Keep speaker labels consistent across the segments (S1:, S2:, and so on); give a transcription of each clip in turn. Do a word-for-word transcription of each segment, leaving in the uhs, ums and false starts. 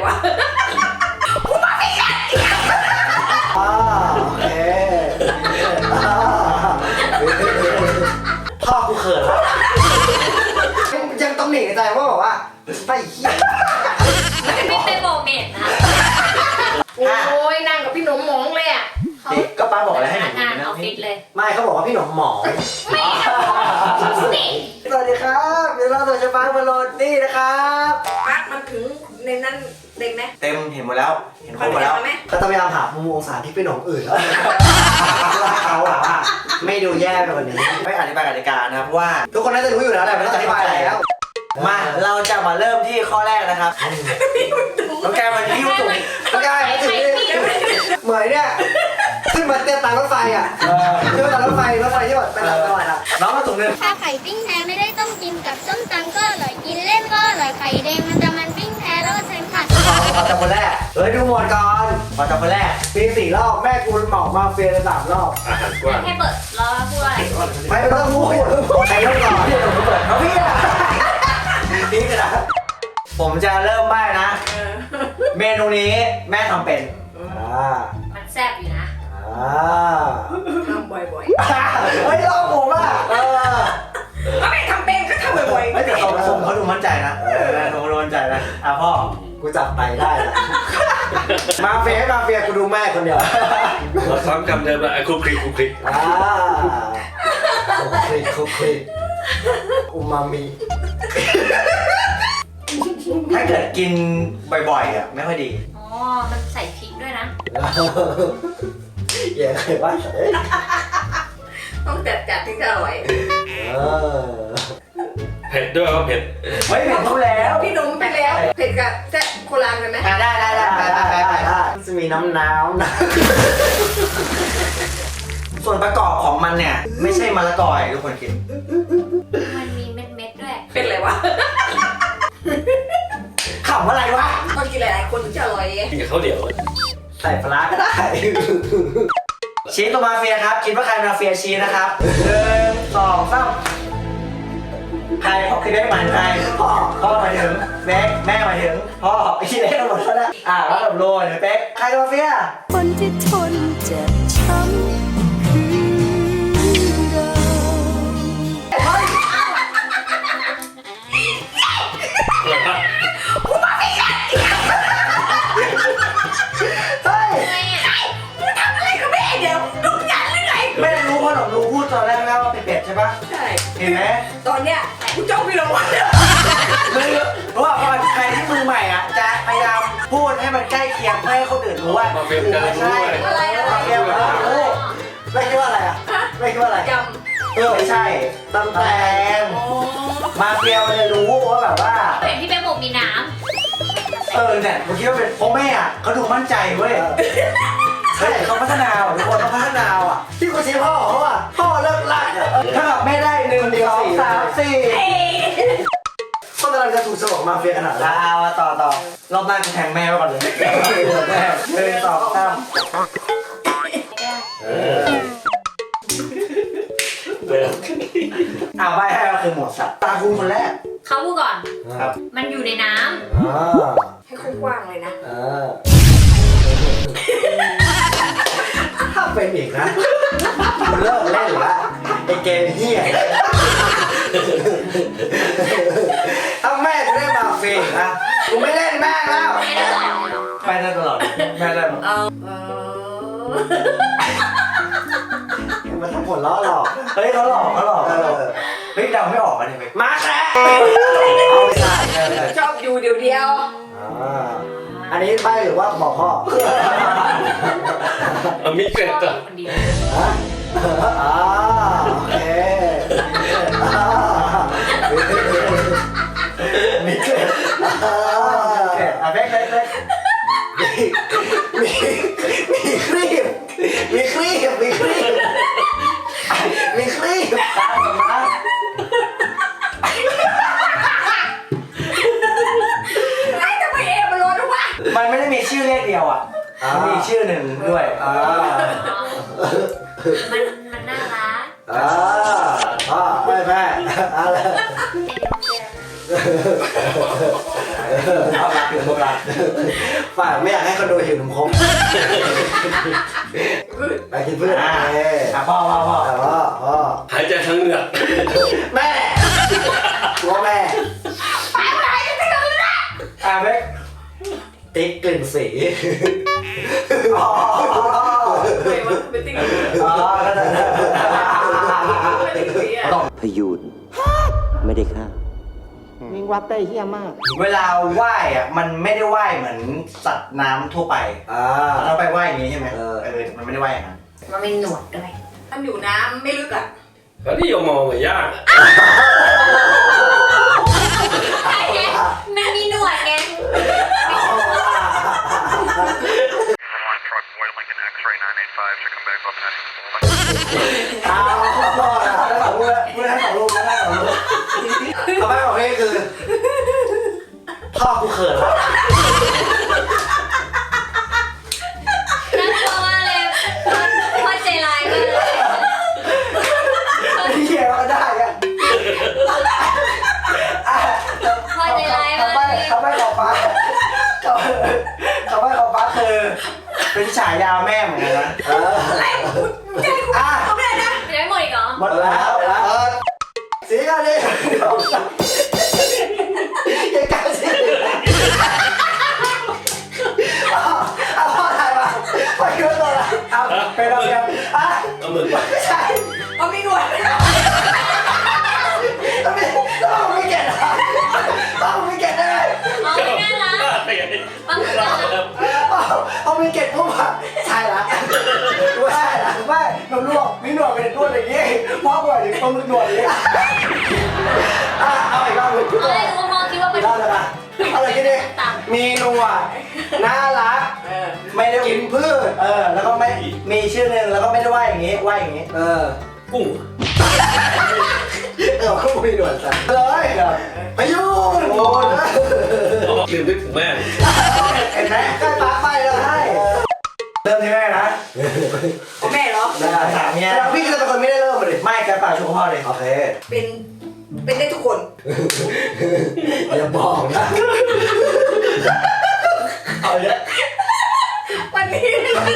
S1: วะกูมาไม่กัน
S2: อ่าโอเคพ่อกูเขินแล้วยังต้องหนีในใจว่าบอกว่าไปเหี้ย
S3: มันไม่เป็นโมเมนต์นะ
S1: โอ้ยนั่งกับพี่หนุ่มมองเลยอ่ะ
S2: ก็ป้าบอกอะไรให้หนู
S3: งานออฟฟิศเลย
S2: ไม่เขาบอกว่าพี่หนุ่มหมอ
S3: ไม่สิ
S2: สวัสดีครับเดี๋ยวเราจะมาบอลลูนนี่นะครับ
S1: ปั๊กมันถึงในนั้นเต็มไหม
S2: เต็มเห็นหมดแล้วเห็นครบหมดแล้วก็ต้องพยายามหามุมองศาที่เป็นของอื่นแล้วเขาอะว่าไม่ดูแย่ไปกว่านี้ไม่อธิบายกติกานะครับว่าทุกคนน่าจะรู้อยู่แล้วแหละไม่ต้องอธิบายแล้วมาเราจะมาเริ่มที่ข้อแรกนะครับน้องแกมันยิ้วถุงน้องแกมันถึงเหมยเนี่ยขึ้นมาเต้นตามรถไฟอ่ะขึ้นมาตามรถไฟรถไฟที่แบบเป็นอะไรอะไรอ่ะน้องมาถุงนึง
S4: ถ้าไข่ปิ้งแท้ไม่ได้ต้มกินกับส้มตำก็อร่อยกินเล่นก็อร่อยไข่แดงมันจะมันปิ้งแท้แล้วก็ใช้ผัก
S2: ขอจับคนแรกเฮ้ยดูหมดก่อนขอจับคนแรกปีสี่รอบแม่กูเหมามาเฟียสามรอบ
S5: อาหารกว้าง
S3: ให้เปิดแล้วพูดอะไร
S2: ไม่ต้องพูดใครเริ่มก่อนพี่ผมเปิดเอาพี่อะนี่กระดาษผมจะเริ่มใบ้นะเมนูนี้แม่ทำเป็น
S3: มันแซ่บอยู่นะ
S1: ทำบ่อย
S2: ๆไม่ลองผมอ่ะเออ
S1: ไม่ทำเป็นก็ทำบ่อยๆ
S2: ไม่แต่เขาทรงเขาดูมั่นใจนะเออทรงเขาดูมั่นใจนะอ่ะพ่อกูจับไตได้นะมาเฟียมาเฟียกูดูแม่คนเดียว
S5: เราซ้ำคำเดิมอะคุกคลิกคุกคลิก
S2: อ่าคุกคลิกคุกคลิกอูมามิถ้าเกิดกินบ่อยๆอ่ะไม่ค่อยดี
S3: อ๋อมันใส่พริกด้วยนะ
S2: อย่าเคยว่า
S1: ต้องจัดจัดถึงจะอร่อย
S5: เผ็ดด้วยว่าเผ็ด
S2: ไม่เผ็ดเขาแล้ว
S1: พี่หนุ่มไปแล้วเผ็ดกับแซ่บโคราณกันไหม
S2: ได้ได้ได้ได้ได้ได้จะมีน้ำน้ำนะส่วนประกอบของมันเนี่ยไม่ใช่มะละกอทุกคนกิน
S3: มันมีเม็ดๆด้วย
S1: เป็นอะไรวะ
S2: ขำอะไรวะ
S1: ต้องกินหลายๆคนถึงจะอร่อย
S5: กินกับข้าวเหนียว
S2: ใส่ปลาก็ได้ชีสตัวมาเฟียครับคิดว่าใครมาเฟียชีสนะครับหนึ่งสองสามใครพ่อคือได้หมายใครพ่อพ่อหมายถึงเบ๊กแม่หมายถึงพ่อพี่เล็กทั้งหมดแล้วนะอ่าแล้วแบบโรยเบ๊กใครมาเฟีย
S4: คนที่ทนเจ็บช้ำคือเรา
S1: กูมาไม่กัน
S2: เฮ้ย
S1: กูทำอะไรกับแม่เดี๋ยวลูกยันหรือไง
S2: แม่รู้เพราะหนูรู้พูดตอนแรกแล้วว่าเป็นเป็ดใช่ปะ
S1: ใช่
S2: เห็นไหม
S1: ตอนเนี้ยกูจ้องพี่ลงวัน
S2: มือเพราะว่าพอใครที่มือใหม่อ่ะจะพยายามพูดให้มันใกล้เคียงเพื่อให้คนอื่นรู้ว่า
S5: มาเฟียกันรู้
S2: ใช่มาเฟียกันรู้ไม่คิดว่าอะไรอ่ะไม่คิดว่าอะไร
S1: จ
S2: ำเออไม่ใช่ตำแตงมาเฟียมันจะรู้ว่าแบบว่า
S3: เห็นที่เป็นหมกมีน้
S2: ำเออเนี่ยผมคิดว่าเป็นเพราะแม่อ่ะเขาดูมั่นใจเว้ยใช่เขาพัฒนาอ่ะทุกคนเขาพัฒนาอ่ะที่กูชี้พ่อเขาอ่ะพ่อเลิกลักอ่ะถ้าแบบไม่ได้หนึ่งสองสามสี่ก็กำลังจะถูกสมองมาเฟียขนาดนั้นเอาต่อต่อรอบหน้าจะแทงแม่ไว้ก่อนเลยแม่หนึ่งสองสามเอาใบให้เราคือหมวดสัตว์ตาคุณคนแรก
S3: เขาพูดก่อน
S2: ครับ
S3: มันอยู่ในน้
S1: ำให้กว้างเลยนะ
S2: ถ้าเป็นอีกนะเลิกเล่นละไอเกมเฮียถ้าแม่จะได้มาเฟียนะกูไม่เล่นแม่แล้วไปได้ตลอดแม่ได้หมดมันทำผลล้อหลอกเฮ้ยเขาหลอกเขาหลอกเฮ้ยเดาไม่ออกกันเลยมาแค่เอาไปใส่
S1: ชอบอยู่เดียวเดียว
S2: อันนี้ใบหรือว่าบอกพ่อ
S5: มีเกล็ดอ่ะ
S2: อ่าโอเคมีเกล็ดอ่ะเบ๊กเบ๊กเบ๊กมีมีครีบมีครีบมีครีบมีครีบตามมา
S1: ไอ้ทำไมเอมันร้อนวะ
S2: มันไม่ได้มีชื่อเลขเดียวอ่ะมันมีชื่อหนึ่งด้วย
S3: มันมันน่ารัก
S2: อ่าอ่าไม่แม่อะไรเอารักหรือพวกรักฝากไม่อยากให้คนดูหิวนมคมไปกินพืชอ่ะพ่อพ่อพ่อพ่อพ่อ
S5: หายใจทั้งเหงือก
S2: แม่ว่าแม่
S1: ไปไหนจะถึงแล้ว
S2: อ่ะเบ๊กติ๊กกลิ่นสีอ๋อ
S1: เฮ้ยมันเป็นติ๊ก
S2: อ๋อก็ได้
S1: เป็นติ๊กสีอ่ะ
S6: พยูนไม่ได้ฆ่า
S2: มิงวัดได้เฮี้ยมากเวลาว่ายอ่ะมันไม่ได้ว่ายเหมือนสัตว์น้ำทั่วไปอ่าเราไปว่ายอย่างนี้ใช่ไหมเออเออมันไม่ได้ว่ายอย่างนั้น
S3: มันมีหนวดด้วย
S1: มันอยู่น้ำไม่ลึกอ่ะ
S5: แล้วนี่ยมมองเหมือนยาก
S3: ใช่ไงมันมีหนวดไง
S2: เอาพ่อแล้วสองมือมือทั้งสองลูกมือทั้งสองลูกเขาไม่บอกให้คือพ่อกูเขินแล้ว
S3: น่ากลัวมากเลยพ่อใจร้ายมากเลย
S2: เฮียก็ได้อะ
S3: พ่อใจร้าย
S2: เขา
S3: มาก
S2: ไม่
S3: เลย
S2: เขาไม่ขอฟ้าเขาเขาไม่ขอฟ้าคือเป็นฉายาแม่เหมือนกันนะเออ
S1: อะไรมึงจะให้กู
S2: อ่ะ
S1: เขาไม่ได้นะ
S3: ไม่ได้หมดอีกเหรอ
S2: หมดแล้วเออสีกันดิยังกล้าสีเอาพ่อถ่ายมาพ่อคิดว่าตัวอะไรเอาเป็นอะไรกันอ่ะ
S5: เอาเหมือนไป
S2: ไม่ใช่
S1: เอามีหนวด
S2: ต้องไม่ต้องไม่เก็ตอ่ะต้องไม่เก็ตได้
S3: อ๋อไม่น่ารัก
S5: ไปไง
S3: บางคนน่ารัก
S2: เอาไม่เก็ตปุ๊บอ่ะใช่ละไม่ใช่ละไม่หนวดลวกมีหนวดเป็นนวดอย่างงี้พ่อบ่อยถึงปลาหมึกหนวดอย่างงี้อ่ะเอาอีกรอบหนึ่ง
S3: เอาเลยคุณพ่อคิดว่า
S2: อี
S3: เป็น
S2: กรอบเลยป่ะเอาอะไรกันดิมีหนวดน่ารัก
S1: เออ
S2: ไม่ได้กินพืชเออแล้วก็ไม่มีชื่อหนึ่งแล้วก็ไม่ได้ว่าอย่างงี้ว่าอย่างงี้เออ
S5: กุ้ง
S2: เออคู่มีหนวดจ้ะเลยพายุนโอ้ย
S5: ลืมนึกถึงแม่
S2: เห็นไหมใกล้ปากไปแล้วให้เริ่มที่แม่นะ
S1: เอาแม่เหรอ
S2: ได้ถามเนี่ยแล้วพี่ก็จะเป็นคนไม่ได้เริ่มมาดิไม่แกปากชูพ่อเลยโอเค
S1: เป็นเป็นได้ทุกคน
S2: อย่าบอกนะเอาเยอะ
S1: วันนี้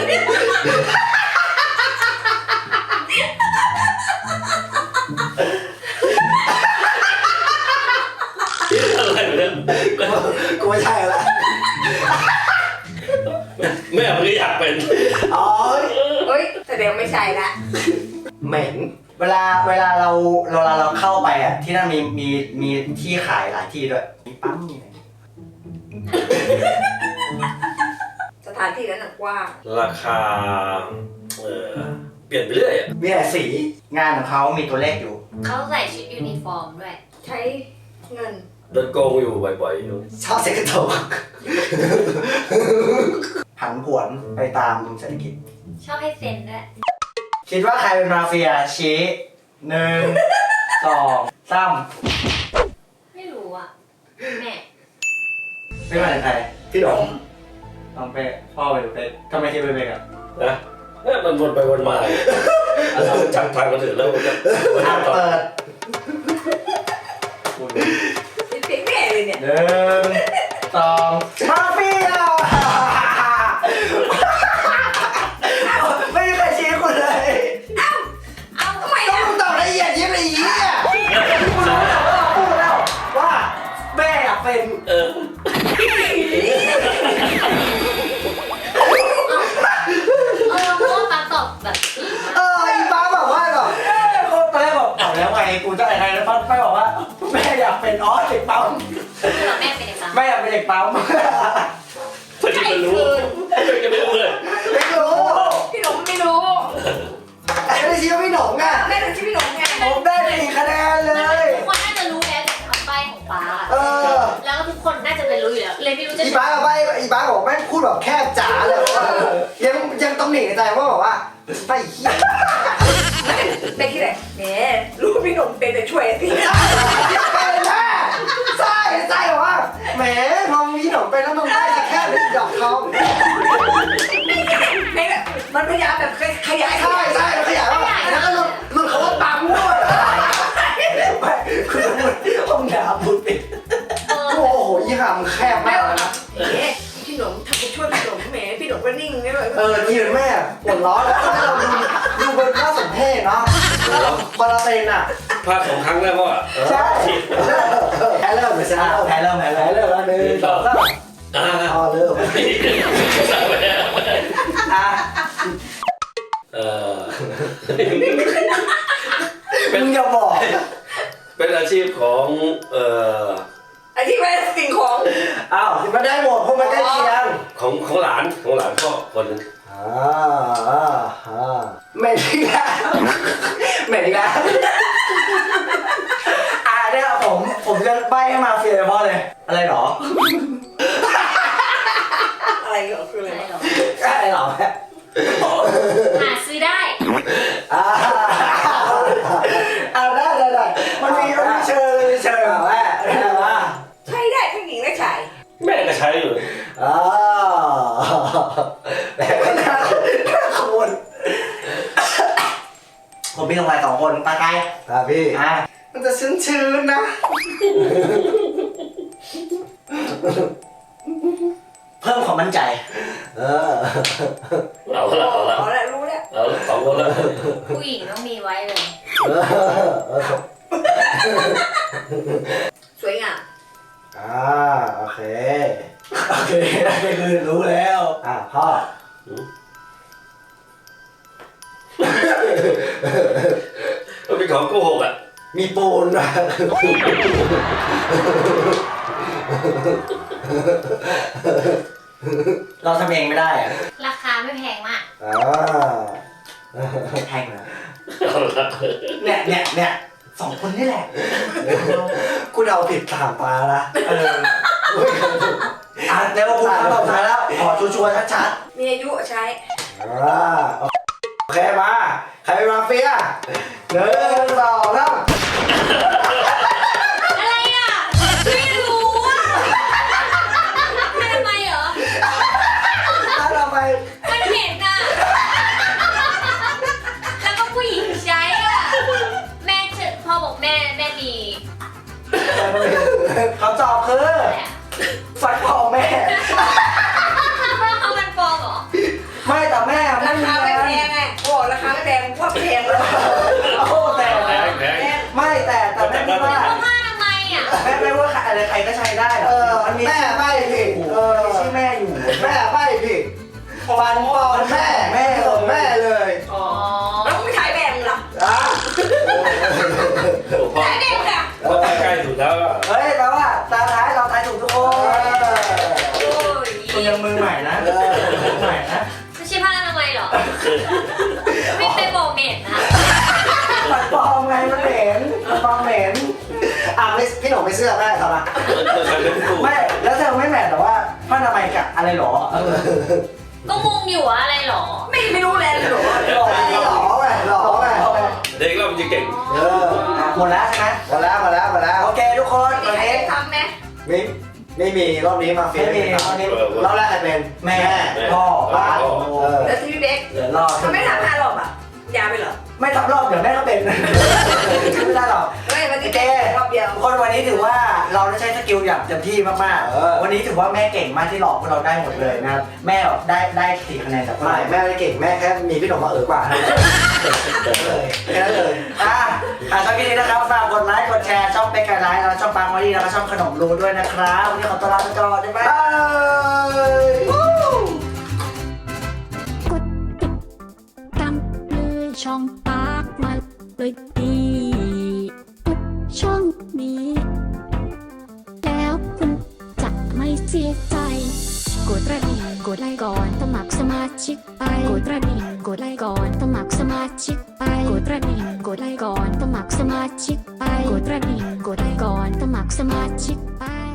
S5: อะไรเนี่ย
S2: กูไม่ใช่ละ
S5: แม่มันก็อยากเป็น
S2: อ๋อ
S1: เฮ้ยแสดงไม่ใช่ละ
S2: เหม็นเวลาเวลาเราเวลาเราเข้าไปอ่ะที่นั่นมีมีมีที่ขายหลายที่ด้วยมีปั๊มมีอะไร
S1: สถานที่นั้นน่ะกว้าง
S5: ราคาเออเปลี่ยนไปเรื่อยอ่ะ
S2: มีหลายสีงานของเขามีตัวเลขอยู่
S3: เขาใส่ชุดยูนิฟอร์มด้วย
S1: ใช้เงิน
S5: โดนโกงอยู่บ่อยๆอยู่
S2: ชอบเซ็กโตผันผวนไปตามเศรษฐกิจ
S3: ชอบให้เซ็นด้วย
S2: คิดว่าใครเป็นมาเฟียชี้หนึ่งสองสาม
S3: ไม่รู้อ่ะแม่
S2: ไม่มาถึงใครพี่ดงน้องเป๊ะพ่อเป็นเป๊ะทำไมคิดเป็นเป๊ะอ่ะ
S5: นะเนี่ยมันวนไปวนมาเราจับทางกันถึงแล้วมันจะ
S2: อ่ะเปิด
S1: เป็นเพลงแม่เลยเนี่ย
S2: หนึ่งสองมาเฟียไม่มีใครชี้คุณเลย
S1: เอาทำไม
S2: ต้อ
S1: อ่ะ
S2: งตอบละเอียดยิบละเอียดคุณรู้แล้วว่าพูดแล้วว่าแม่อยากเป็น
S5: เออ
S3: เออเพราะว่าป๊าตอบแบบ
S2: เอออีป้าบอกว่าก่อนตอนแรกบอกเอาแล้วไงกูจะอะไรแล้วป้าไปบอกว่าแม่อยากเป็นออสเด็กปั๊ม
S3: แม่เป็นยังไง
S2: แม่อยากเป็นเด็กปั๊ม
S5: เพื่อที่จะรู้จะไม่รู้เลย
S2: ไม่รู้
S1: พี่หนุ่มไม่รู้
S2: แต่ไม่ได้ชี้ว่าพี่หนงอ่ะ
S1: แม่เป็นชื่อพี่หนุ่มไง
S2: ผมได้สี่คะแนนเลย
S3: ทุกคนน่าจะรู้แล้วจากคำใบ้ของป๊า
S2: เออ
S3: แล้วก็ทุกคนน่าจะเป็นรู้อยู่แล้ว เลยไม่รู้จะ
S2: อีป้ากับไปอีป้าบอกแม่งพูดแบบแคบจ๋าเลยว่ายังยังต้องหนีในใจว่าบอกว่าไปเหี้ย
S1: เป็นที่ไหนแหมรู้พี่หนุ่มเป็นแต่ช่วยสิ
S2: เป็นแม่ใช่ใช่บอกว่าแหมพอมีหนมเป็นแล้วมึงได้จะแค่เป็นดอกทอง
S1: แม่แบบมันพยายามแบบขยาย
S2: ใช่ใช่แล้วขยายว่าแล้วก็หลุดหลุดเขาว่าปั๊มด้วยไม่คือมันห้องน้ำพูดปิด
S3: เออ
S2: โอ้โหยี่ห้ามแคบ
S1: พี่หนุ่มทำไปช่วยพี่หนุ่มแหมพี่หนุ่มก็นิ่งนี่เลย
S2: เออยืนแม่ปวดร้อนแล้วให้เราดูดูเป็นข้าสมเพศเนาะพอเราเป็นอ่ะ
S5: พลาดสองครั้งแล้วพ่อ
S2: ใช่แพ้เริ่มเลยชนะแพ้เริ่มแพ้เริ่มแล้วหนึ่งสองสาม
S5: อ่า
S2: อ๋อเริ่มอ่ะ
S5: เออ
S2: มึงอย่าบอก
S5: เป็นอาชีพของเอ่อ
S1: ไอ้ที่ไม่สิ่งของ
S2: อ้าวมันได้หมดเพราะมันใกล้เคียง
S5: ของของหลานของหลานพ่อคนหนึง
S2: อ่าอ่าอ่าไม่ดีแล้วไม่ดีแล้วอ่าเนี่ยผมผมจะใบ้ให้มาเฟียเลยพ่อเลยอะไรหรอ
S1: อะไรเหรอคืออะไร
S3: อะไรหรอ
S2: อะไรหรอแม่
S3: หาซื้อได้
S2: อ่าเอาได้ได้ได้มันมีมันมีเชิงมีเชิงแม่ได้ว่า
S1: ใช้ได้ทั้งหญิงและชาย
S5: แม่ก็ใช้อยู่
S2: อ่าแม่ก็น่าขบวนผมมีลงไปสองคนตาไกลครับพี่อ่ามันจะชื้นชื้นๆนะเพิ่มความมั่นใจเออ
S5: เอาละเอาละ
S1: เอาละรู้แล้ว
S5: เอาละสองคนละ
S3: ผู้หญิงต้องมีไว้เลย
S2: เออเออ
S1: สวยงาม
S2: อ่าโอเคโอเคได้คือรู้แล้วอ่าพ่อ
S5: มันเป็นของโกหกอ่ะ
S2: มีปูนนะเราทำเองไม่ได้อะ
S3: ราคาไม่แพงมาก
S2: อ่าแพงนะ
S5: เอาละ
S2: เนี่ยเนี่ยเนี่ยสองคนนี่แหละกูเดาผิดสามตาละเอออ่ะเดี๋ยวกูถามต่อท้ายแล้วขอชัวร์ๆชัด
S1: มีอายุใช้
S2: ๆอ่าโอเคมาใครเป็นมาเฟียหนึ่งสองสาม
S3: อะไรอ่ะไม่รู้อ่ะทำไมเหรอ
S2: แล้วเราไป
S3: มันเห็นอ่ะ แล้วก็ผู้หญิงใช้อ่ะ แม่เฉพ่อบอกแม่แม่มี
S2: เขาตอบคือ
S3: อะไรอ่ะ
S2: ฟันพ่อแม่
S3: เขามันปลอมเหรอ
S2: ไม่แต่แม่
S1: รา
S2: ไม่มี
S1: คาไม่
S2: นะ
S1: แพงไงบอกราคาไม่แพงว่าแพงเลย
S2: โอ้แต่
S5: แพงแพง
S2: ไม่แต่แต่แม่ไม่ว่า
S3: เพราะว่าทำไมอ่ะ
S2: แม่ไม่ว่าอะไรใครก็ใช้ได้เออมันมีแม่ไม่ผิดเออชื่อแม่อยู่แม่ไม่ผิดฟันพ่อแม่แม่ของแม่เลย
S3: อ๋อ
S1: แล้วมึงขายแบงค์เหรอ
S2: อ่ะ
S5: โอ้พ่อ
S1: ขายแบงค์ค่ะ
S5: พ่อใกล้ถูกแล้วอ่ะ
S2: เฮ้ยแต่ว่าตาท้ายเราทายถูกทุกคน
S1: โอ้ย
S2: คุณยังมือใหม่นะมือใหม่นะ
S3: ไม่ใช่ผ้าทำไมยเหรอ ไม่ไปบอกเมดนะ
S2: ฟันปลอมไงมันเหม็นมันปลอมเหม็นอ่ะไม่พี่หนุ่มไม่เสื้อแม่ครับอ่ะ
S5: ใครเป็นผู้
S2: ไม่แล้วเธอไม่แมทแต่ว่าผ้าทำไมยกับอะไรหรอ
S3: ก็งงอยู่ว่าอะไรหรอ
S1: ไม่ไม่รู้แล้วหรอ
S2: หล่อหล่อไงหล่อไง
S5: เด็กเรามันจะเก่ง
S2: เออหมดแล้วใช่ไหมหมดแล้วหมดแล้วหมดแล้วโอเคทุกคน
S1: ไม่
S2: วัน
S1: มีใคร
S2: นี้
S1: ทำไหม
S2: ไม่ไม่มีรอบนี้มาเฟียไม่มีรอบนี้รอบแรกใครเป็นแม่พ่อป้าเออ
S1: แล้วที่พี่เบ๊ก
S2: เดี๋ยวรอบ
S1: ทำไม่ทำห้ารอบอ่ะยาไปเหรอ
S2: ไม่ทำรอบเดี๋ยวแม่ก็เป็นไม่ได้หรอก
S1: ไม่วัน
S2: โอ
S1: ที่
S2: เค
S1: เบ๊กรอบเดียว
S2: ทุกคนวันนี้ถือว่าเราได้ใช้สกิลอย่างเต็มที่มากๆวันนี้ถือว่าแม่เก่งมากที่หลอกพวกเราได้หมดเลยนะครับแม่แบบได้ได้สี่คะแนนจากไม่แม่ไม่ได้เก่งแม่แค่มีพี่หนุ่มมาเออกว่าเลยแค่นั้นเลยอ่ะอ่ะชอบคลิปนี้นะครับฝากกดไลค์กดแชร์ช่องเป็กไกด์ไลฟ์แล้วช่องปังวันนี้แล้วก็ช่องขนมรูด้วยนะครับวันนี้ขอตัวลาไปก่อนบ๊ายบาย
S7: กดติดตามเลยช่องปากมาเลยดีทุกช่องนี้ แล้วคุณจะไม่เสียใจ กดกระดิ่งกดไลค์ก่อนสมัครสมาชิกไปกดกระดิ่งกดไลค์ก่อนสมัครสมาชิกไปกดกระดิ่งกดไลค์ก่อนสมัครสมาชิกไปกดกระดิ่งกดไลค์ก่อนสมัครสมาชิกไป